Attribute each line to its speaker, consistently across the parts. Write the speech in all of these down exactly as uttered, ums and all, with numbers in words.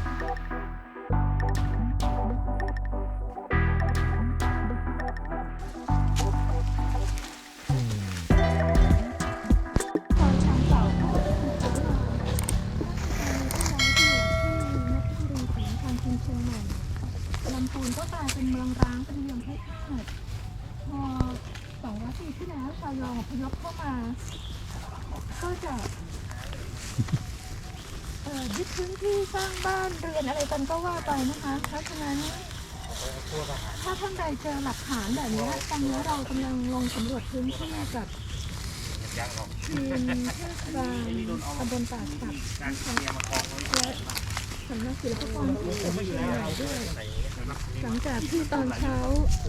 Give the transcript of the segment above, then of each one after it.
Speaker 1: ลำพูนก็กลายเป็นเมืองร้างเป็นเมืองแพร่พอสองร้อยปีที่แล้วชาวยองอพยพเข้ามาก็จะเอ่อยึดพื้นที่สร้างบ้านเรือนอะไรกันก็ว่าไปนะคะเพราะฉะนั้นถ้าท่านใดเจอหลักฐานแบบนี้ตอนนี้เรากำลังลงสำรวจพื้นที่กับทีมเทศบาลตำบลป่าสักและสำนักศิลปากรที่เชียงใหม่ด้วยหลังจากที่ตอนเช้า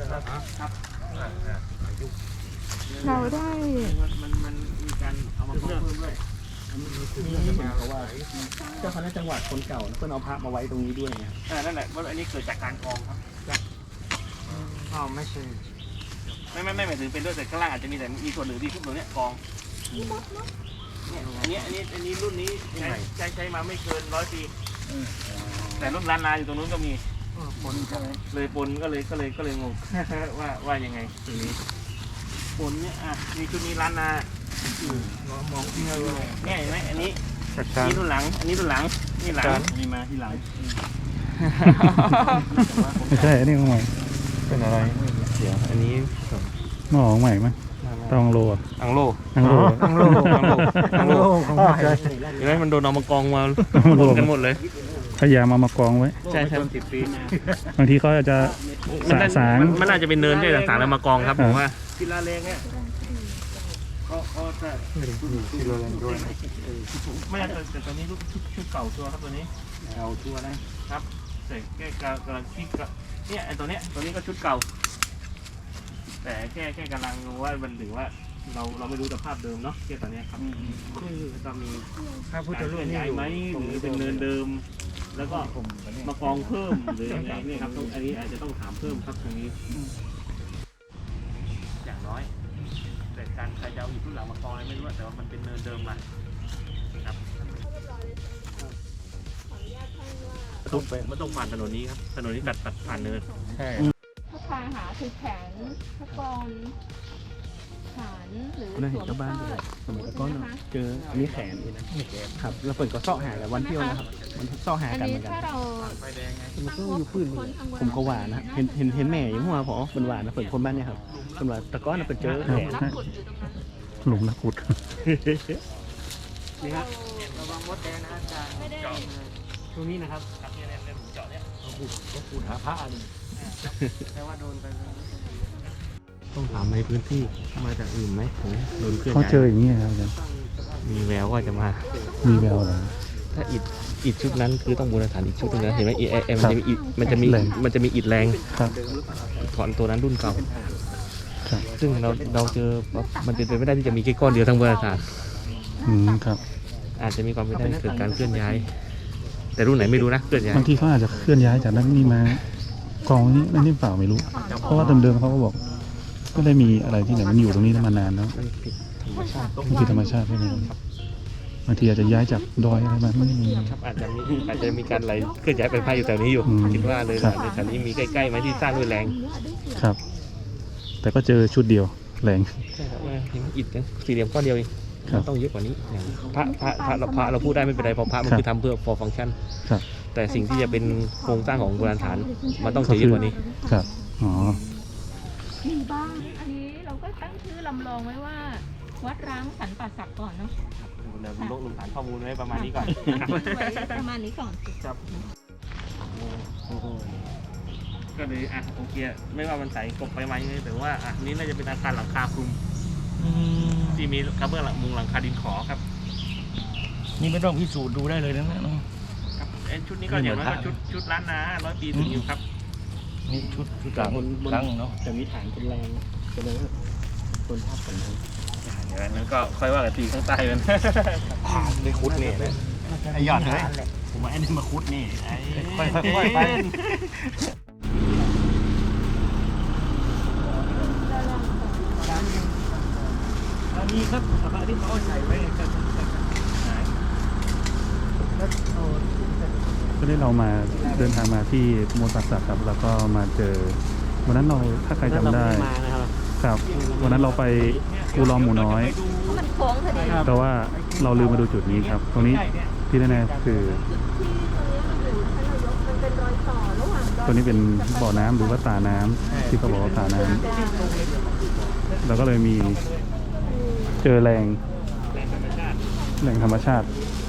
Speaker 1: เราได้
Speaker 2: มันมันมีการเอามาเพิ่มด้วยเพราะว่าเจ้าคณะจังหวัดคนเก่าเพื่อนเอาพระมาไว้ตรงนี้ด้วยเนี่ยนั่นแหละว่าอันนี้เกิดจากการกองครับอ๋อไม่ใช่ไม่ไม่ไม่หมายถึงเป็นด้วยแต่ข้างล่างอาจจะมีแต่มีส่วนหนึ่งที่ทุกตัวเนี้ยกองเนี่ยอันนี้อันนี้อันนี้รุ่นนี้ใช้ใช้ใช้มาไม่เกินร้อยปีแต่รุ่นล้านนาอยู่ตรงนู้นก็มีปนเลยปนก็เลยก็เลยก็เลยงงว่าว่ายังไงตรงนี้ปนเนี่ยอ่ะมีชุดนี้ล้านนามองที่เราเนี่ยเห็นไหมอันนี้นี่รุ่นหลังอันนี้รุ่นหลังนี่หลังมีมาที่หลัง
Speaker 3: ไม่ใช่อันนี้ของใหม่
Speaker 2: เป็นอะไรเดี๋ยวอันนี้
Speaker 3: หม้อของใหม่มั้ยตองโล
Speaker 2: อังโล
Speaker 3: อังโล
Speaker 2: อังโลอังโลอังโลของใหม่เห็นไหมมันโดนเอามากองมาหมดกันหมดเลย
Speaker 3: พยายามมามากองไว้
Speaker 2: ใช่ใช่สิบปี
Speaker 3: บางทีเขาอาจจะสะสาง
Speaker 2: มันน่าจะเป็นเนินที่ต่างๆแล้วมากองครับผมว่าศิลาแรงเนี่ยเขาเขาจะศิลาแรงด้วยไม่ใช่แต่ตัวนี้ชุดชุดเก่าชัวร์ครับตัวนี้เก่าชัวร์นะครับแต่แค่กำลังคิดกับเนี่ยไอ้ตัวเนี้ยตัวนี้ก็ชุดเก่าแต่แค่แค่กำลังว่ามันหรือว่าเราเราไม่รู้สภาพเดิมเนาะแค่ตอนนี้ครับจะมีถ้าพูดจะเลื่อนย้ายไหมหรือเป็นเนินเดิมแล้วก็มากองเพิ่มหรือยังไงเนี่ยครับอันนี้อาจจะต้องถามเพิ่มครับตรงนี้อย่างน้อยแต่การใครจะเอาอยู่ทุนหลังมากองอะไรไม่รู้แต่ว่ามันเป็นเนินเดิมมาครับมันต้องผ่านถนนนี้ครับถนนนี้ตัดตัดผ่านเนินใช่
Speaker 1: พระพาหาคือแขนพระกรฐานหรือสวมเสื้อ
Speaker 2: สมัยก่อนเจออันนี้แขนนี่นะครับแล้วเปิดก็เสาะหากันวันเที่ยวนะครับมันเสาะหากันเหมือนกันมันก็อยู่พื้นผมก็หวานนะเห็นเห็นเห็นแม่ยังหัวพอเป็นหวานนะเปิดคนบ้านเนี่ยครับเป็นหวานตะก้อนเป็นเจอแขน
Speaker 3: หลุมนักขุด
Speaker 2: นี่ครับระวังมดแดงนะอาจารย์เจาะตรงนี้นะครับครับเนี่ยเนี่ยเจาะเนี่ยขุดก็ขุดหาพระอันแต่ว่าโดนไปต้องถามในพื้นที่มาจากอื่นไหมผมโดนเคลื่อนย้าย
Speaker 3: เขาเจออย่างนี้ครับอาจารย์
Speaker 2: มีแววว่าจะมา
Speaker 3: มีแววเหรอ
Speaker 2: ถ้าอิฐอิฐชุดนั้นคือต้องบูรณาฐานอีกชุดนึงนะเห็นไหมเอเอ็มมันจะมีอิฐมันจะมีมันจะมีอิฐแรงถอนตัวนั้นรุ่นเก่าซึ่งเราเราเจอมันเป็นไปไม่ได้ที่จะมีแค่ก้อนเดียวทั้งบูรณาฐาน
Speaker 3: อืมครับ
Speaker 2: อาจจะมีความเป็นไปได้เกิดการเคลื่อนย้ายแต่รุ่นไหนไม่รู้นะเคลื่อนย้าย
Speaker 3: บางทีเขาอาจจะเคลื่อนย้ายจากนั้นนี่มากองนี้นั่นนี่เปล่าไม่รู้เพราะว่าเดิมๆเขาก็บอกก็ได้มีอะไรที่ไหนมันอยู่ตรงนี้มานานแล้วมันผิดธรรมชาติใช่ไหมบางทีอาจจะย้ายจากดอยอะไรมาไม่มี
Speaker 2: ครับอาจจะมีอาจจะมีการไหลเคลื่อนย้ายไปภายอยู่แถวนี้อยู่คิดว่าเลยในแถวนี้มีใกล้ๆไหมที่สร้างด้วยแรง
Speaker 3: ครับแต่ก็เจอชุดเดียวแรง
Speaker 2: ใช่ครับอิฐสี่เหลี่ยมก้อนเดียวเองต้องเยอะกว่านี้อย่างพระพระพระเราพระเราพูดได้ไม่เป็นไรเพราะพระมันคือทำเพื่อ for function แต่สิ่งที่จะเป็นโครงสร้างของโบราณฐานมันต้องเยอะกว่านี้
Speaker 3: ครับอ๋อ
Speaker 1: มีบ้างอันนี้เราก็ตั้งชื่อลำลองไว้ว่าวัดร้างสันป่าสักก่อนเนาะ
Speaker 2: เดี๋ยวลงลงฐานข้อมูลไว้ประมาณนี้ก่อน
Speaker 1: ประมาณนี้ก่อน
Speaker 2: ครับก็เลยอ่ะโอเคไม่ว่ามันใส่กบไปไหมแต่ว่าอ่ะนี้น่าจะเป็นอาคารหลังคาคลุมที่มีกระเบื้องหลังมุงหลังคาดินขอครับ
Speaker 4: นี่ไม่ต้องพิสูจน์ดูได้เลยนะเนาะ
Speaker 2: ครับชุดนี้ก็อย่างน้อยก็ชุดชุดล้านนาร้อยปีถึงอยู่ครับ
Speaker 4: นี่ชุดชุดกลางครั้งเนาะ
Speaker 2: แต่มีฐานเป็นแรงจะเลยคนภาพคนนั้นอย่างนั้นก็ค่อยว่ากันทีข้างใต้กัน
Speaker 4: ได้คุดนี่นะไอ้ยอดเลยผมว่าไอ้นี่มาคุดนี่ไอ้ค่อยๆไปอันนี้ครับพระที่เขาใส่ไว้กันหายแล้วเอา
Speaker 3: ก็ได้เรามาเดินทางมาที่โมตัสสะครับแล้วก็มาเจอวันนั้นเราถ้าใครจำได้
Speaker 2: มานะครับ
Speaker 3: ครับวันนั้นเราไปกูลอมหมูน้อย
Speaker 1: มันโค้งพอดี
Speaker 3: แต่ว่าเราลืมมาดูจุดนี้ครับ ตรงนี้ที่แน่ๆคือ
Speaker 1: มันเป็นรอยต่อระหว่างดอย
Speaker 3: ตัวนี้เป็นบ่อน้ำหรือว่าตาน้ำที่เขาบอกว่าตาน้ำเราก็เลยมีเจอแรงแหล่งธรรมชาติ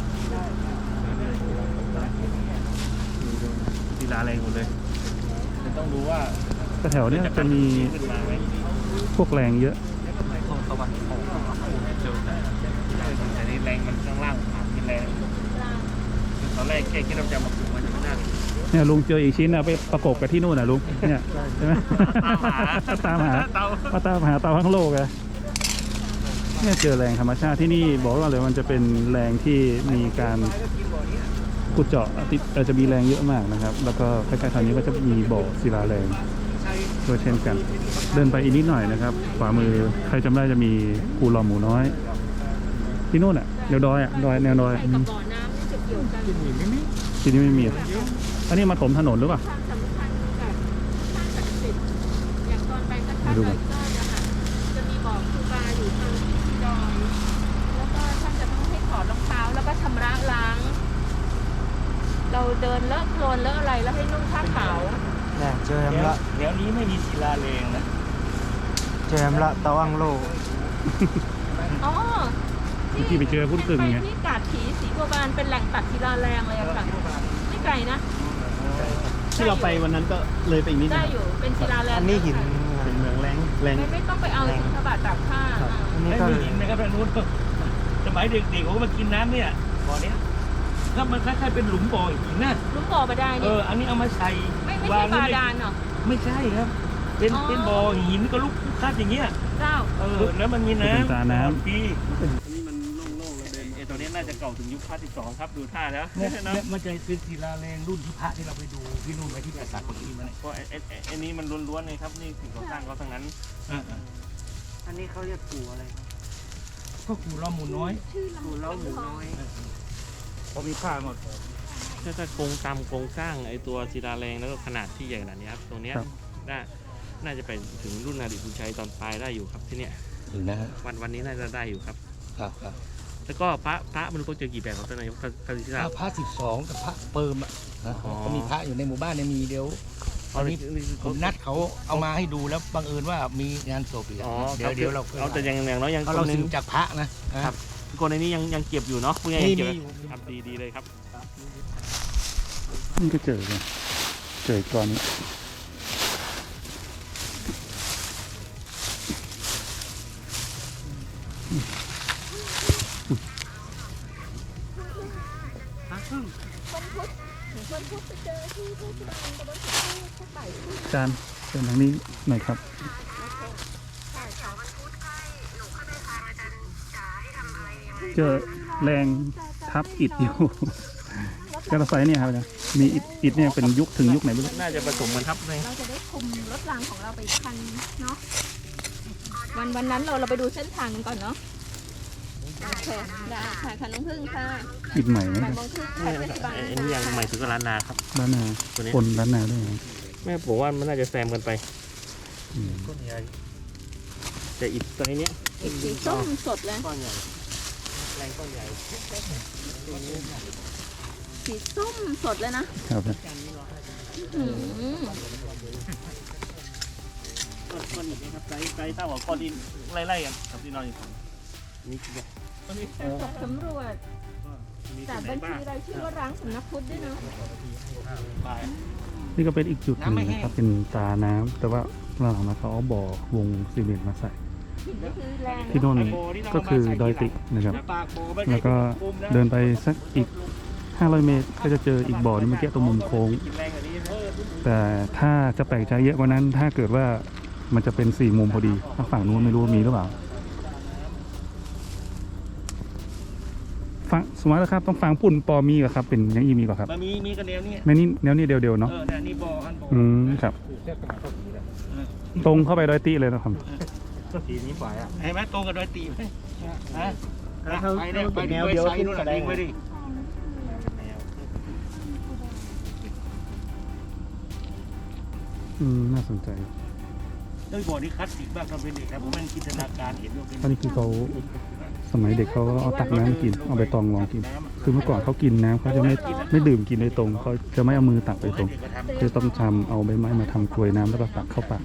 Speaker 2: ศิลาแรงหมดเลยต้องดูว่า
Speaker 3: ก็แถวเนี้ยจะมี
Speaker 2: ขึ้นมาไหม
Speaker 3: พวกแรงเยอะ
Speaker 2: ตรงตะวันออกเจอแต่นี่แรงมันข้างล่างผ่านกินแรงตอนแรกแค่คิดว่าจะมาปลูกมันจะไม่น่า
Speaker 3: เนี่ยลุงเจออีกชิ้นนะไปประกบกับที่นู่นนะลุงเนี่ยใช่ไหม ตามหา
Speaker 2: เตา
Speaker 3: มาตามหาเตาทั้งโลกอะเนี่ยเจอแรงธรรมชาติที่นี่บอกว่าเลยมันจะเป็นแรงที่มีการขุดเจาะติดเอ่อจะมีแรงเยอะมากนะครับ แล้วก็ใกล้ๆทางนี้ก็จะมีบ่อศิลาแรงด้วยเช่นกัน เดินไปอีกนิดหน่อยนะครับขวามือใครจำได้จะมีกูลอมหมูน้อย ที่นู่นอ่ะแนวดอยอ่ะดอยแนวดอยอืม
Speaker 1: บ่อน้ำนี่จะเกี่ยวกัน
Speaker 3: ที่นี่ไม่มีอันนี้มาถมถนนหรือเปล่า
Speaker 1: ความสำคัญกับสร้างศักดิ์สิทธิ์อย่างตอนไปก็ท่า
Speaker 3: มาดู
Speaker 1: ด
Speaker 3: กั
Speaker 1: อน ยก็นะคะจะมีบ่อครูบาอยู่ทางที่ดอยแล้วก็ท่านจะต้องให้ถอดรองเท้าแล้วก็ชำระล้าง เราเดินเลอะโคลนเลอะอะไรแล้วให้นุ่งผ้าขาว
Speaker 5: เนี่ยเจอแฮมละ
Speaker 2: แถวนี้ไม่มีศิลาแรงนะ
Speaker 5: เจอแฮมละตะวังโล
Speaker 1: อ๋อ
Speaker 3: ที่ไปเจอพุ่นกึ่งไง
Speaker 1: ที่กาดผีสีบัวบานเป็นแหล่งตัดศิลาแรงเลยอะค่ะไม่ไกลนะ
Speaker 2: ที่เราไปวันนั้นก็เลยไปอีกนิด
Speaker 1: ได้อยู่เป็นศิลาแรง
Speaker 5: อันนี้หิน
Speaker 2: เป็นเมืองแรงแรง
Speaker 1: ไม่ไม่ต้องไปเอาสิทบาทตากผ้าอ่า
Speaker 5: อันนี้
Speaker 2: ไม่
Speaker 5: ก็
Speaker 2: มีหินนะครับทางนู้นสมัยเด็กๆผมก็มากินน้ำเนี่ยบ่อเนี้ยก็มันคล้ายๆเป็นหลุมบ่อหินนะ
Speaker 1: ลุงบ่อมาได้
Speaker 2: เอ
Speaker 1: นี่
Speaker 2: ออันนี้เอามาใส่
Speaker 1: ไม่ไม่ใช่บาดาลเหรอ
Speaker 2: ไม่ใช่ครับ เป็น
Speaker 1: อ๋อ
Speaker 2: เป็นบ่อหินก็ลุกคาดอย่างเงี้ย
Speaker 1: เจ้า
Speaker 2: เออแล้วมันมีน้ำ
Speaker 3: เป็นตาน้ำ
Speaker 2: ปีอันนี้มันโล่งๆเลยเดินไอ้ตัวนี้น่าจะเก่าถึงยุคพระที่สองครับดูท่าแล้ว
Speaker 4: เนี่ยเนี่ยมันจะเป็นศิลาแรงรุ่นที่พระที่เราไปดูที่นู่นไว้ที่ปราสาทคนที่มาเนี่ย
Speaker 2: เพราะไอ้ไอ้ไอ้ไอ้นี้มันล้วนๆเลยครับนี่สิ่งก่อสร้างเขาทั้งนั้น
Speaker 5: อันนี้เขาเรียกปู่อะไรครับ
Speaker 4: ก็กูล้อมหมูน้อย
Speaker 5: ปู่เล้าหมูน้อย
Speaker 4: พอมีผ้าหมด
Speaker 2: ถ้าถ้าโครงตามโครงสร้างไอ้ตัวศิลาแรงแล้วก็ขนาดที่ใหญ่ขนาดนี้ครับตรงเนี้ย
Speaker 3: ครับ
Speaker 2: น่าน่าจะไปถึงรุ่นอดีตบุญชัยตอนปลายได้อยู่ครับที่เนี้ย
Speaker 4: ถึงนะฮะ
Speaker 2: วันวันนี้น่าจะได้อยู่ครับ
Speaker 4: ครับครับ
Speaker 2: แล้วก็พระพระมันก็เจอกี่แบบครับท่านนายกท่านท่านศิ
Speaker 4: พ
Speaker 2: ลา
Speaker 4: ระพระสิบสองกับพระเปิมอ่ะนะ
Speaker 2: อ๋อ
Speaker 4: ก็มีพระอยู่ในหมู่บ้านเนี่ยมีเดียว ตอนนี้ผมนัดเขาเอามาให้ดูแล้วบังเอิญว่ามีงานศพอีกอะ
Speaker 2: อ๋อ
Speaker 4: เดี๋ยวเดี๋ยวเรา
Speaker 2: เอาแต่ยังอย่างน้อยยัง
Speaker 4: เพราะ
Speaker 2: ค
Speaker 4: เรา
Speaker 2: นหนึ
Speaker 4: สื
Speaker 2: ง
Speaker 4: บจากพระนะนะครับ
Speaker 2: คนในนี้ยังยังเก็บอยู่เนาะพวกนี้
Speaker 4: มี
Speaker 2: ยังเก็บ
Speaker 4: มีอยู่
Speaker 2: ครับดีดีเลยครับ
Speaker 3: นี่ก็เจอเลยเจออีกก้อนนี้ จานเชิญทางนี้หน่อยครับ เจอแรงทับอิฐอยู่ กระสายเนี่ยครับเนี่ยมีอิฐอิฐเนี่ยเป็นยุคถึงยุคไหนไม่รู้
Speaker 2: น่าจะผสมกันครับเลย
Speaker 1: เราจะได้คุมรถรางของเราไปอีกคันเนาะวันวันนั้นเราเราไปดูเส้นทางกันก่อนเนาะโอเคได้ค่ะค่ะน้องพึ่งค่ะ
Speaker 3: อิฐใหม่ไหม
Speaker 1: บ่าย
Speaker 3: ครับ
Speaker 1: โมงครึ่งค่ะเทศบาล
Speaker 2: อันนี้ยังใหม่ถึงกับร้านนาครับ
Speaker 3: ด้านหน้า
Speaker 2: ตัวนี้
Speaker 3: คนด้านหน้าด้วยนะ
Speaker 2: แม่ผมว่ามันน่าจะแซมกันไป
Speaker 3: อืม
Speaker 2: ก้อนใหญ่แต่อิฐตัวนี้
Speaker 1: อีกสีส้มสดเลย
Speaker 2: ก้อนใหญ่แรงก้อนใหญ่
Speaker 1: สีส้มสดเลยนะครับ อืม
Speaker 2: ก้อนก้อนอิฐนี่ครับไซส์ไซส์เท่ากับก้อนดินไล่ๆกันครับที่นอนอยู่ฝั่งนี่คือแบบ
Speaker 1: ตกสำรวจ
Speaker 2: มี
Speaker 1: จาก
Speaker 2: ที่ไหน
Speaker 1: บัญ
Speaker 2: บ้า
Speaker 1: ชี
Speaker 2: ง
Speaker 1: รายชื่อว่าร้างสำนักพุทธด้วยเนาะ
Speaker 2: ไป
Speaker 3: นี่ก็เป็นอีกจุดหนึ่งนะครับเป็นตาน้ำแต่ว่าหลังๆมาเขาเอาบ่อวงซีเมนต์มาใส่
Speaker 1: หินนี่คือแรง
Speaker 3: ที่โน่นก็คือดอยติกนะครับ
Speaker 2: ปากโบไม่ใช่
Speaker 3: แล้วก็เดินไปสักอีกห้าร้อยเมตร ก็จะเจออีกบ่อนึงเมื่อกี้ตรงมุมโค้ง
Speaker 2: กินแรงกว่านี้นะ
Speaker 3: แต่ถ้าจะแปลกใจเยอะกว่านั้น ถ้าเกิดว่ามันจะเป็นสี่มุมพอดีทางฝั่งนู้นไม่รู้ว่ามีหรือเปล่าฟังสมมตินะครับต้องฟังปุ่นปอมีกับครับ เป็นยังอีมีกว่าครับ
Speaker 2: มันมีมีกันแนวนี้
Speaker 3: แม่นี่แนวนี้เดียวๆ
Speaker 2: เอ
Speaker 3: เนาะ
Speaker 2: อเนี่ยนี่บ่ออันบ่อ
Speaker 3: อืมครับ ตรงเข้าไปดอยติเลยนะครับ
Speaker 2: ก็สีนี้ฝ่ายอ่ะเห็นไหมตรงกับดอยตีไหมฮะ
Speaker 4: ไปเนี่ยไปแนวเดียวขึ้นแสดงไว้ดิ
Speaker 2: แ
Speaker 3: อืมน่าสนใจ
Speaker 2: ด้วยบ่อนี่คลาสสิกมากตอนเป็นเด็กนะผมมันจินตนาการเห็นว่าเป็น
Speaker 3: เพราะนี่คือเขาสมัยเด็กเขาก็เอาตักน้ำกินเอาใบตองรองกิน คือเมื่อก่อนเขากินน้ำเขาจะไม่ไม่ดื่มกินโดยตรงเขาจะไม่เอามือตักโดยตรงจะต้องทำเอาใบไม้มาทำกลวยน้ำแล้วก็ตักเข้าปาก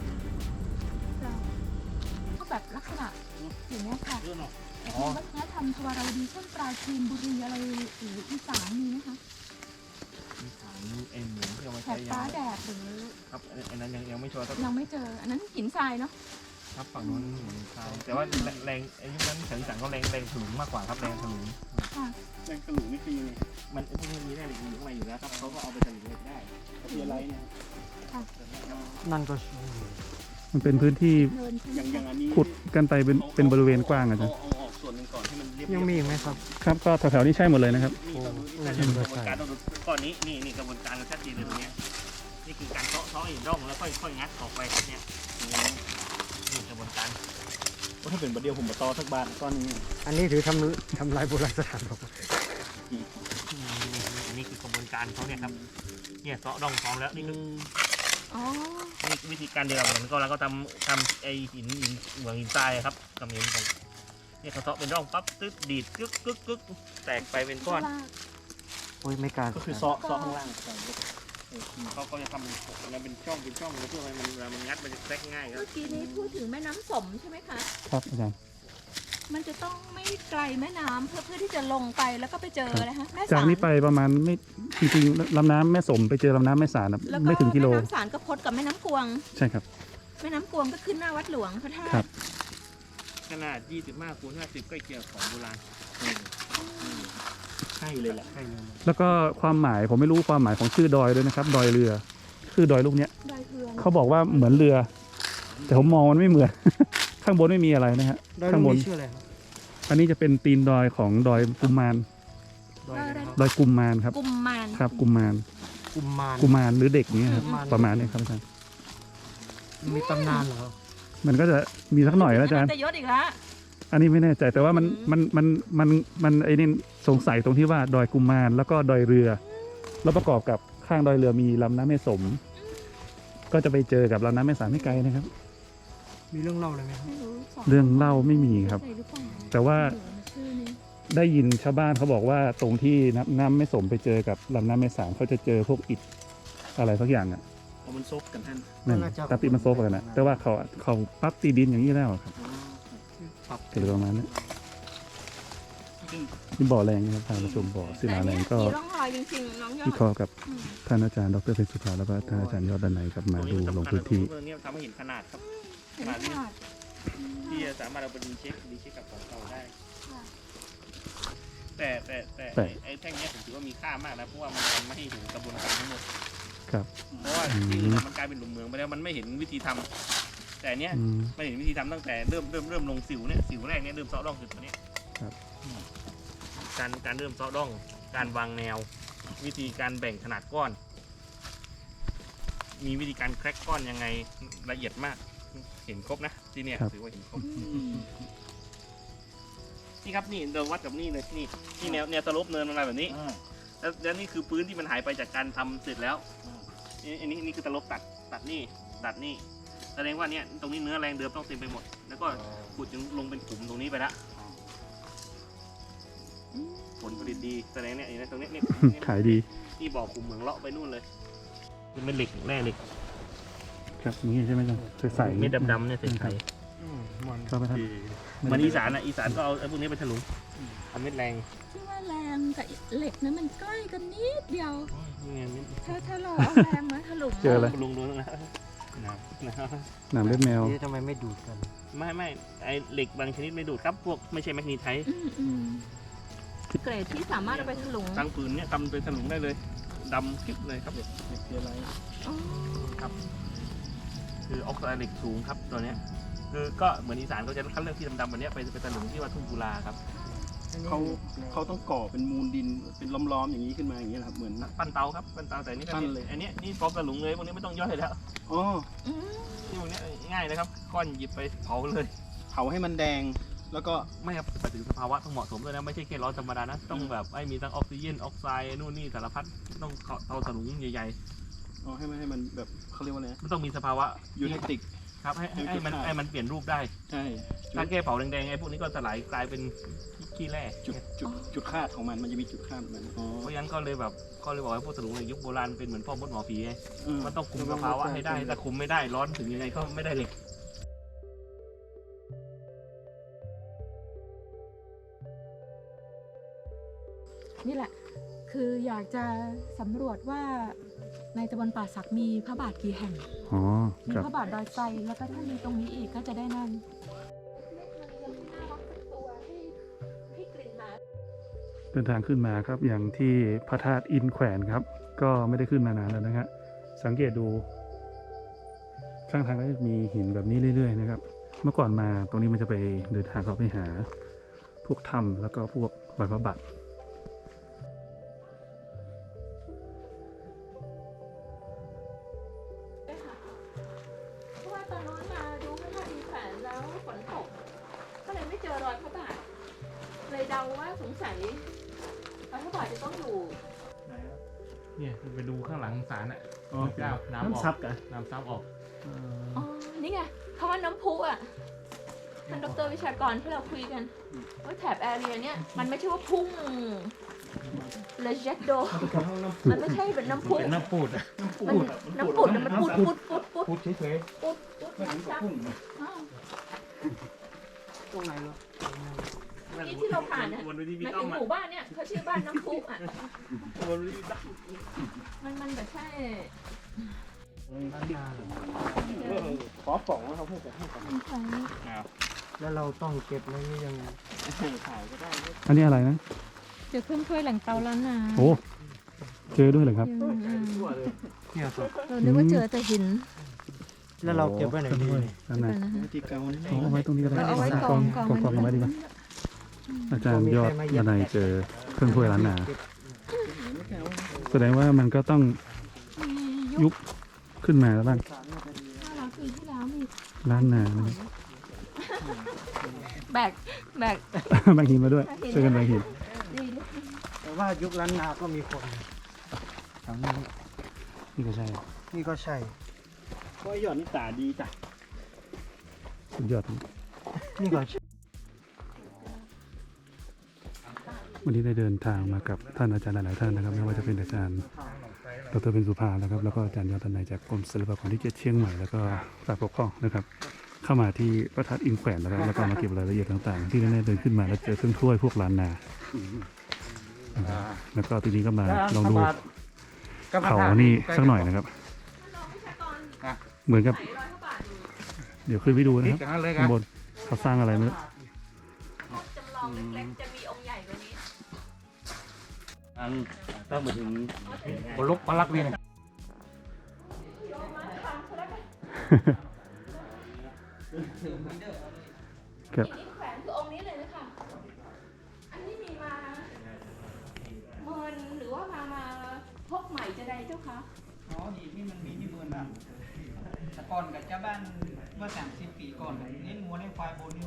Speaker 1: ก็แบบลักษณะอย่างนี้ยค่ะวัฒนธรรมทวารวดีเช่นปราจีนบุรีอะไรหรืออีสานมีไหมคะ
Speaker 2: เอ็นหมูที่เอามา
Speaker 1: แถ
Speaker 2: ใช้
Speaker 1: บ
Speaker 2: ยั
Speaker 1: ฟ้าง แดดหรือ
Speaker 2: ครับอันนั้นยังยังไม่ชัวร์
Speaker 1: ยังไม่เจออันนั้นหินทรายเนาะ
Speaker 2: ครับฝั่งนู้นเหมือนทรายแต่ว่าแรงไอ้ยุคนั้นถึงสั่งก็แรงแรงถลุงมากกว่าครับแรงถลุง
Speaker 1: ค่ะ
Speaker 2: แรงถลุงนี่คือยังไงมันพวกนี้มีแร่เหล็กอยู่ข้างในอยู่แล้วครับเขาก็เอาไปถลุงเหล็กได้คืออะไรเนี่ย
Speaker 5: นั่นก็
Speaker 3: มันเป็นพื้นที่
Speaker 1: เดินใช่ไหม
Speaker 2: อย่างอย่างอันนี้
Speaker 3: ขุดกันไปเป็นเป็นบริเวณกว้างอะ
Speaker 2: เอา
Speaker 3: จ๊ะ
Speaker 2: เอาออกส่วนหนึ่งก่อนให้มันเรียบ
Speaker 5: ยังมีอีกไหมครับ
Speaker 3: ครับก็แถวๆนี้ใช่หมดเลยนะครับ
Speaker 2: นี่ต้องดูนี่คือกระบวนการต้องดูก้อนนี้นี่นี่กระบวนการชัดเจนเลยตรงเนี้ยนี่คือการเซาะเซาะหินร่องแล้วค่อยค่อยงัดออกไปครับเนี่ยนี่กระบวนการถ้าเป็นประเดี๋ยวผมมาต่อสักบาทก้อนนี้
Speaker 5: อันนี้ถือทำทำลายโบราณสถานครับ
Speaker 2: อันนี้คือกระบวนการเขาเนี่ยครับเนี่ยเซาะร่องพร้อมแล้วนี่คือ
Speaker 1: อ๋อ
Speaker 2: นี่วิธีการเดียวเหมือนก็เราก็ทำทำไอหินหินเหมืองหินทรายครับทำหินของเนี่ยเขาเซาะเป็นร่องปั๊บตึ๊ดดีดกึกกึกกึกแตกไปเป็นก้อน
Speaker 5: โอ้ยไม่กล้า
Speaker 2: ก็คือเซาะเซาะข้างล่างเขาก็จะทำเป็นเป็นช่องเป็นช่องแล้วเพื่อให้มันเวลามันงัดมันจะแทรกง่ายครับ
Speaker 1: เมื่อกี้นี้พูดถึงแม่น้ำสมใช่ไหมคะ
Speaker 3: ครับอาจารย์
Speaker 1: มันจะต้องไม่ไกลแม่น้ำเพื่อเพื่อที่จะลงไปแล้วก็ไปเจออะไรฮะแม่
Speaker 3: จาก
Speaker 1: สาร
Speaker 3: นี้ไปประมาณไม่จริงๆลำน้ำแม่สมไปเจอลำน้ำแม่สารนะ
Speaker 1: แล้วก็
Speaker 3: ไม่ถึงกิโล
Speaker 1: แม่น้ำสารก็พดกับแม่น้ำกวง
Speaker 3: ใช่ครับ
Speaker 1: แม่น้ำกวงก็ขึ้นหน้าวัดหลวงพระธา
Speaker 3: ครั
Speaker 1: ตุ
Speaker 3: บ
Speaker 2: ขนาดยี่สิบห้าคูณห้าสิบใกล้เคียงของโบราณใช่เลยแหละใช่เลย
Speaker 3: แล้วก็ความหมายผมไม่รู้ความหมายของชื่อดอยด้วยนะครับ ดอยเรือ คือดอยลูกเนี้ย
Speaker 1: ดอยเทือง
Speaker 3: เขาบอกว่าเหมือนเรือ แต่ผมมองมันไม่เหมือน ข้างบนไม่มีอะไรนะฮะ
Speaker 5: ดอย
Speaker 3: ข้าง
Speaker 5: ลู
Speaker 3: บ
Speaker 5: ก
Speaker 3: น
Speaker 5: นี้ชื่ออะไรครับ
Speaker 3: อันนี้จะเป็นตีนดอยของดอยกุมมาร
Speaker 5: ดอยอะไรครับ
Speaker 3: ดอยกุมมารครับ
Speaker 1: กุมมาร
Speaker 3: ครับกุมมาร
Speaker 5: กุมมาร
Speaker 3: กุมารหรือเด็กเนี้ยครับ
Speaker 5: กุมาร
Speaker 3: ประมาณเนี้ยครับอาจารย์
Speaker 5: มีตำนานเหรอครับ
Speaker 3: มันก็จะมีสักหน่อยนะอาจารย์
Speaker 1: จะยศอีกแล้ว
Speaker 3: อันนี้ไม่แน่ใจแต่ว่ามัน
Speaker 1: อืม
Speaker 3: มันมันมันมันไอ้นี่สงสัยตรงที่ว่าดอยกุมารแล้วก็ดอยเรือ แล้วประกอบกับข้างดอยเรือมีลำน้ำแม่สม ก็จะไปเจอกับลำน้ำแม่สารไม่ไกลนะครับ
Speaker 5: มีเรื่องเล่าอะไรไหมครับ
Speaker 1: ไม่รู้ส
Speaker 3: เรื่องเล่าไม่มีครับ
Speaker 1: ใช่หรือเปล่า
Speaker 3: แต่ว่า
Speaker 1: ชื่อนี้
Speaker 3: ได้ยินชาวบ้านเขาบอกว่าตรงที่น้ำน้ำแม่สมไปเจอกับลำน้ำแม่สารเขาจะเจอพวกอิฐอะไรสักอย่างอ่ะ
Speaker 2: เอามันซบกันท่าน
Speaker 3: นั่น
Speaker 5: น่าจะ
Speaker 3: ตาปิดมันโซฟกันนะแต่ว่าเขาเขาปั๊บตีดินอย่างนี้แล้วอะครับ
Speaker 2: ปรับ
Speaker 3: เกิดประมาณนั้น
Speaker 2: ซึ่ง
Speaker 3: ที่บ่อแรงนะครับทางประชุมบ่อศิลาแรงก็
Speaker 1: มีร่องรอยจริงๆน้องยอ
Speaker 3: วิ
Speaker 1: ด
Speaker 3: เคราะห์กับ
Speaker 1: อืม
Speaker 3: ท่านอาจารย์ดรเพชรสุภาแล้วก็ท่านอาจารย์ยอดดันไหนกลับมาดูลงพื้นที่
Speaker 2: เรื่องนี้ทำให้เห็นขนาดครับ
Speaker 1: เห็นขนาด
Speaker 2: ที่จะสามารถเอาไปดีเช็คดีเช็คกับของเก่าได้
Speaker 1: ค่ะ
Speaker 2: แต่แต่แต่
Speaker 3: แต่
Speaker 2: ไอ้แท่งเนี้ยผมถือว่ามีค่ามากนะเพราะว่ามันทำไม่ให้เห็นกระบวนการทั้งหมด
Speaker 3: ครับ
Speaker 2: เพราะว่า
Speaker 3: อืม
Speaker 2: ที่อื่นมันกลายเป็นหลุมเมืองไปแล้วมันไม่เห็นวิธีทำแต่อันเนี้ย
Speaker 3: อืม
Speaker 2: ไม่เห็นวิธีทำตั้งแต่เริ่มเริ่มเริ่มลงสิวเนี่ยสิวแรกเนี่ยเริ่มเซาะร่องคือตัวเนี้ย
Speaker 3: ครับ
Speaker 2: การการเริ่มเซาะร่อง การวางแนว วิธีการแบ่งขนาดก้อน มีวิธีการแคร็กก้อนยังไงละเอียดมาก เห็นครบนะที่เนี่ยถือว่าเห็นครบ นี่ครับนี่เราวัดกับนี่เลยนี่นี่แนวแนวสโลปเนินมันมาแบบนี้ แล้วแล้วนี่คือพื้นที่มันหายไปจากการทำเสร็จแล้วนี่อันนี้นี่คือตลบตัดตัดนี่ตัดนี่แสดงว่าเนี่ยตรงนี้เนื้อแรงเดิมต้องเต็มไปหมด แล้วก็ขุดจนลงเป็นขุมตรงนี้ไปละผลผลิตดีแสดงเนี่ยเห็นไหมตรงเนี้ยเนี่ย
Speaker 3: ขายดี
Speaker 2: นี่บ่อขุมเหมืองเลาะไปนู่นเลยเป็นเม็ดเหล็กแร่เหล็ก
Speaker 3: ครับนี่ใช่ไหมจ๊ะใส่
Speaker 2: เม็ดดำๆเนี่ยใส่ไข่
Speaker 5: มัน
Speaker 3: เข้าไปครับ
Speaker 2: มันอีสานอ่ะอีสานก็เอาไอ้พวกนี้ไปถลุงทำเม็ดแรง
Speaker 1: ที่ว่าแรงกับเหล็กนั้นมันใกล้กันนิดเดียว
Speaker 2: นี่ไงเม็ด
Speaker 1: ถ้าถ้าเราเอาแรงมาถลุง
Speaker 3: เจออะไร
Speaker 2: ลุงดูนะนะนะ
Speaker 3: หนามเล็บแมว
Speaker 5: นี่ทำไมไม่ดูดกัน
Speaker 2: ไม่ไม่ไอเหล็กบางชนิดไม่ดูดครับพวกไม่ใช่แมกนีไทท์
Speaker 1: อืมอืมเกรดที่สามารถเอาไปถลุง
Speaker 2: ตั้งปืนเนี่ยทำเป็นถลุงได้เลยดำคลิปเลยครับเหล็กเหล็กเกลือไร
Speaker 1: อ๋อ
Speaker 2: ครับคือออกไซด์เหล็กสูงครับตัวเนี้ยคือก็เหมือนอีสานเขาจะคัดเลือกที่ดำๆแบบเนี้ยไปไปถลุงที่ว่าทุ่งกุลาครับ
Speaker 6: เขาเขาต้องก่อเป็นมูลดินเป็นล้อมๆอย่างนี้ขึ้นมาอย่างนี้ยเหรอครับเหมือน
Speaker 2: ปั้นเตาครับปั้นเตาแต่นี่ก็
Speaker 6: ปั้นเลย
Speaker 2: อันเนี้ยนี่พร้อมถลุงเลยพวกนี้ไม่ต้องย่อยแล้ว
Speaker 6: อ๋อ
Speaker 1: อืม
Speaker 2: นี่พวกเนี้ยง่ายนะครับก้อนหยิบไปเผาเลย
Speaker 6: เผาให้มันแดงแล้วก็
Speaker 2: ไม่ครับไปถึงสภาวะต้องเหมาะสมด้วยนะไม่ใช่แค่ร้อนธรรมดานะต้องแบบไอ้มีทั้งออกซิเจนออกไซด์นู่นนี่สารพัดต้องเตาถลุงใหญ่
Speaker 6: อ๋อให้มันให้มันแบบเขาเรียกว่าอะไรนะ
Speaker 2: มันต้องมีสภาวะ
Speaker 6: ยูเทคติก
Speaker 2: ครับให้ให้ให้มันให้มันเปลี่ยนรูปได้
Speaker 6: ใช่
Speaker 2: ถ้าแก้เผาแดงๆไอ้พวกนี้ก็สลายกลายเป็นขี้แร่
Speaker 6: จุดจุดจุดคาดของมันมันจะมีจุดคาดของมันอ๋อ
Speaker 2: เพราะฉะนั้นก็เลยแบบก็เลยบอกให้พวกสลุงในยุคโบราณเป็นเหมือนพ่อมดหมอผีไง
Speaker 6: เออ
Speaker 2: มันต้องคุมสภาวะให้ได้ถ้าคุมไม่ได้ร้อนถึงยังไงก็ไม่ได้เหล็ก
Speaker 1: นี่แหละ คืออยากจะสำรวจว่าในตำบลป่าสักมีพระบาทกี่แห่ง
Speaker 3: อ๋อ
Speaker 1: มี
Speaker 3: ครับ
Speaker 1: พระบาทดอยไทรแล้วก็ถ้ามีตรงนี้อีกก็จะได้นั่น
Speaker 3: เดินทางขึ้นมาครับอย่างที่พระธาตุอินแขวนครับ ก็ไม่ได้ขึ้นมานานแล้วนะฮะสังเกตดูข้างทางก็จะมีหินแบบนี้เรื่อยๆนะครับ เมื่อก่อนมาตรงนี้มันจะไปเดินทางเข้าไปหาพวกถ้ำแล้วก็พวกรอยพระบาท
Speaker 1: เพราะว่าตอนนู้นมาดูพระธาตุอินแขวนแล้วฝนตก ก็เลยไม่เจอรอยพระบาท เลยเดาว่าสงสัยรอยพระบาทจะต้องอยู่
Speaker 2: เนี่ยไปดูข้างหลังศาลอ่ะ
Speaker 3: อ๋อ
Speaker 2: เจ้าน้ำออก
Speaker 3: น้ำซับกัน
Speaker 2: น้ำซับออก
Speaker 1: อ๋อ นี่ไงคำว่าน้ำพุอ่ะท่านดรวิชากรที่เราคุยกันว่าแถบแอเรียเนี้ยมันไม่ใช่ว่าพุ่งเลเจตโดมันไม่ใช่เป็นน้ำพุ
Speaker 2: เป็นน้ำปูดอะ
Speaker 1: มันน้ำปุดน่ะมันปุดปุดปุดปุด
Speaker 2: ปูดเฉย
Speaker 1: ปุดปุดน้ำซับอ้าว
Speaker 5: ตรงไหนเหรอ
Speaker 2: ๆ
Speaker 1: นี่ที่เราผ่านเนี่ย
Speaker 2: วนไปที่
Speaker 1: ห
Speaker 2: พี่
Speaker 1: มาย
Speaker 2: ต้
Speaker 1: ถึ
Speaker 2: อง ม
Speaker 1: ห
Speaker 2: อะ
Speaker 1: มู่บ้านเนี่ยเขาชื่อบ้านน้ำพุอ่ะ
Speaker 2: วนไปที่พี่ต้อม
Speaker 1: มันมันแบบใช่
Speaker 6: ขอป๋องนะครับให้แต่ให้ป๋อง
Speaker 5: แล้วเราต้องเก็บไว้ยังไง
Speaker 6: ถ่ายก็ได้
Speaker 3: อันนี้อะไรนะ
Speaker 1: เจอเครื่องถ้วยแหล่งเตาล้านนา
Speaker 3: โอ้เจอด้วยเหรอครับ
Speaker 1: อืม
Speaker 5: เนี่ยครับ
Speaker 1: เรานึกว่าเจอแต่หิน
Speaker 5: แล้วเราเก็บไว้ไหนดีเนี่ย
Speaker 3: นั่นนะ
Speaker 1: นะคะ
Speaker 6: วิธีการนี่
Speaker 3: เอาไว้ตรงนี้ก็ได้
Speaker 1: เอาไว้ก
Speaker 3: ก
Speaker 1: อ
Speaker 3: อง ง
Speaker 1: กอง
Speaker 3: กองกองเอาไว้ดีกว่าอาจารย์ยอดดนัยเจอเครื่องถ้วยล้านนา แสดงว่ามันก็ต้อง
Speaker 1: มี
Speaker 3: ยุ
Speaker 1: ยุ
Speaker 3: คขึ้นมาแล้วบ้าง
Speaker 1: ห้าร้อยปีที่แล้วมี
Speaker 3: ล้านนานะ
Speaker 1: แบกแบก
Speaker 3: บางหินมาด้วยช่วยกันบางหิน
Speaker 1: ดีดิ
Speaker 5: แต่ว่ายุคล้านนาก็มีคนแถวนี้
Speaker 3: นี่ก็ใช่
Speaker 5: นี่ก็ใช่
Speaker 6: ก็หย่อนนี่ตาดีจ้ะ
Speaker 3: สุดยอด
Speaker 5: นี่ก็ใช่
Speaker 3: วันนี้ได้เดินทางมากับท่านอาจารย์หลายๆท่านนะครับไม่ว่าจะเป็นอาจารย์ดรเป็นสุภานะครับแล้วก็อาจารย์ยอดดนัยจากกรมศิลปากรที่เจ็ดเชียงใหม่แล้วก็ฝ่ายปกครองนะครับ เข้ามาที่พระธาตุอินแขวนนะครับแล้วก็มาเก็บรายละเอียดต่างๆ ที่แน่ๆเดินขึ้นมาแล้วเจอเครื่องถ้วยพวกล้านนานะครับแล้วก็ทีนี้ก็มาลองดูเขานี่สักหน่อยนะครับ เหมือนกับ
Speaker 1: ไหนรอยพระบาทอยู่
Speaker 3: เดี๋ยวขึ้นไปดูนะครับข้างบนเขาสร้างอะไรไม่รู้
Speaker 1: จำลองเล็กๆจะมีองค์ใหญ่กว่านี้
Speaker 2: อันถ้ามาถึง
Speaker 4: บนลกปลักนี่นะ
Speaker 3: ครับ
Speaker 1: อีกแขวนคือองค์นี้เลยนะคะอันนี้มีมาเมินหรือว่ามามาพกใหม่จะใดเจ้าคะ
Speaker 7: อ๋อดีที่มันมีที่เมืองอ่ะแต่ก่อนกับเจ้าบ้านเมื่อสามสิบปีก่อนเลี้ยงวัวเลี้ยงควายบนนี่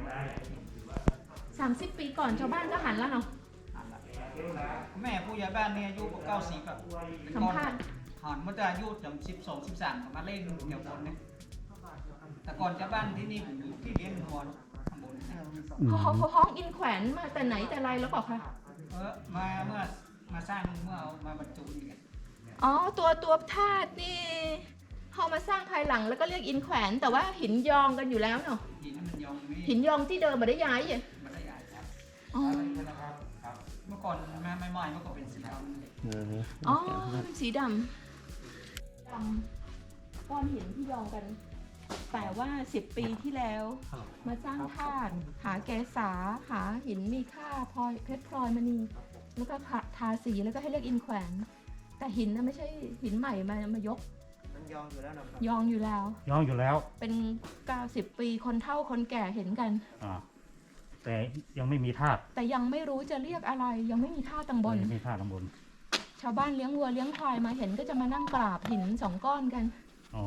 Speaker 1: สามสิบปีก่อนชาวบ้านก็หันแล้วเนาะ
Speaker 7: แม่ผู้ใหญ่บ้านเนี่ยอายุเก้าสิบแบบ
Speaker 1: สัมภาษณ์
Speaker 7: หันเมื่อจะอายุจำสิบสองสิบสามมาเล่นเดี่ยวบนเนี่ยแต่ก่อนเจ้าบ้านที่นี่ผมอยู่ที่เลี้ยงวัวข้างบนเนี่ย
Speaker 3: อืม
Speaker 1: เขาเขาห้องอินแขวนมาแต่ไหนแต่ไรแล้วเปล่าคะ
Speaker 7: เออมาเมื่อมาสร้างเมื่อเอามาบรรจุนี่ไง
Speaker 1: อ๋อตัวตัวธาตุนี่เขามาสร้างภายหลังแล้วก็เรียกอินแขวน แต่ว่าหินยองกันอยู่แล้วเนาะ
Speaker 7: หินมันยองไม่
Speaker 1: หินยองที่เดิมมาได้ย้ายอ่ะ
Speaker 7: ไม่ได้ใหญ่ครับ
Speaker 1: อ๋อ
Speaker 7: เมื่อก่อนแม่ไม่ไหม้เมื่อก่อนเป็นสีดำ
Speaker 1: อ๋อเป็นสีดำดำก้อนหินที่ยองกัน แต่ว่าสิบปีที่แล้ว มาสร้างธาตุหาแกษาหาหินมีค่าพลอยเพชรพลอยมณีแล้วก็ทาสีแล้วก็ให้เรียกอินแขวน แต่หินนะไม่ใช่หินใหม่มามายก
Speaker 5: มันยองอยู่แล้วนะครับ
Speaker 1: ยองอยู่แล้ว
Speaker 3: ย่องอยู่แล้ว
Speaker 1: เป็นเก้าสิบปีคนเฒ่าคนแก่เห็นกัน
Speaker 3: อ่าแต่ยังไม่มีธาตุ
Speaker 1: แต่ยังไม่รู้จะเรียกอะไร ยังไม่มีท่าตังบน
Speaker 3: ยังไม่มีธาตุข้างบน
Speaker 1: ชาวบ้านเลี้ยงวัวเลี้ยงควายมาเห็นก็จะมานั่งกราบหินสองก้อนกัน
Speaker 3: อ๋อ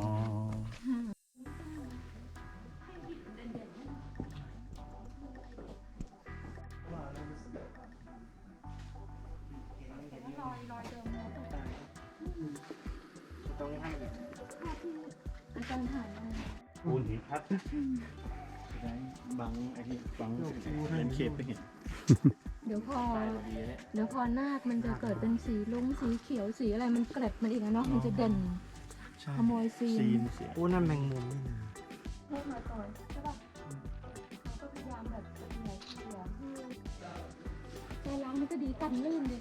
Speaker 1: รอยรอยเดิม
Speaker 2: ตรงนี้ให้อีก
Speaker 1: ภาพที่อาจารย์ถ่ายมา
Speaker 2: ปูนหินพัดได้บังไอ้ที่บังเป็นเขตไปเห็น
Speaker 1: เดี๋ยวพอ
Speaker 2: ตายพอดีเลย
Speaker 1: เดี๋ยวพอนาคมันจะเกิดเป็นสีลุ้งสีเขียวสีอะไรมันเกล็ดมันอีกนะเนาะมันจะเด่นขโมยซีน
Speaker 2: ซีนเสีย
Speaker 5: โอ้นั่นแมงมุมนี่นะ
Speaker 1: เพิ่มมาก่อนใช่ป่ะเขาก็พยายามแบบเหนียวเขียวให้ใจล้างมันก็ดีกันลื่นดิ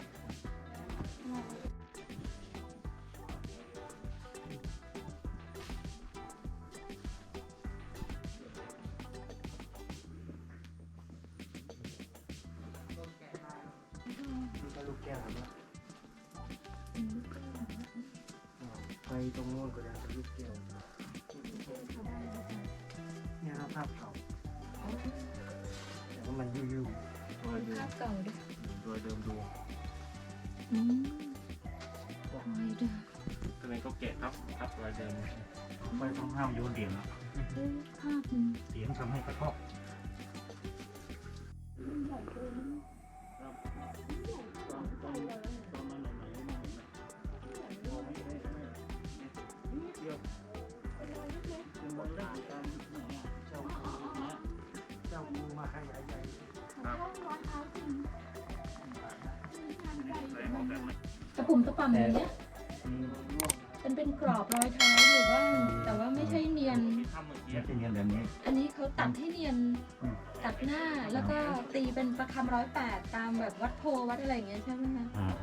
Speaker 5: ไปตรงโน้นก็ได้ลูกแก้วเนี่ยครับภาพเก่าแต่ว่ามันยู่
Speaker 1: ภาพเก่าดิ
Speaker 2: โดยเดิมดู
Speaker 1: อืมรอยเดิม
Speaker 2: ก็เลยก็แกะครับครับรอยเดิม
Speaker 5: ๆไม่ต้องห้ามโยนเหรียญนะ
Speaker 1: เอ้ยภาพมัน
Speaker 5: เหรียญทำให้กระทบ
Speaker 1: ใหญ่เกิน
Speaker 5: เจ้ากูมาให้ใหญ่
Speaker 1: ตะปุ่มตะป่ำอย่างเงี้ยเป็นเป็นกรอบรอยเท้าอยู่บ้างแต่ว่าไม่ใช่เนียน
Speaker 2: ที่ทำเมื่อ
Speaker 5: ๆ
Speaker 2: กี้
Speaker 5: เนี่ยเป็นเงี้ยแบบนี้
Speaker 1: อันนี้เขาตัดให้เนียนตัดหน้าแล้วก็ตีเป็นประคำร้อยแปดตามแบบวัดโพวัดอะไรอย่างเงี้ยใช่ไหมคะ
Speaker 5: อ่า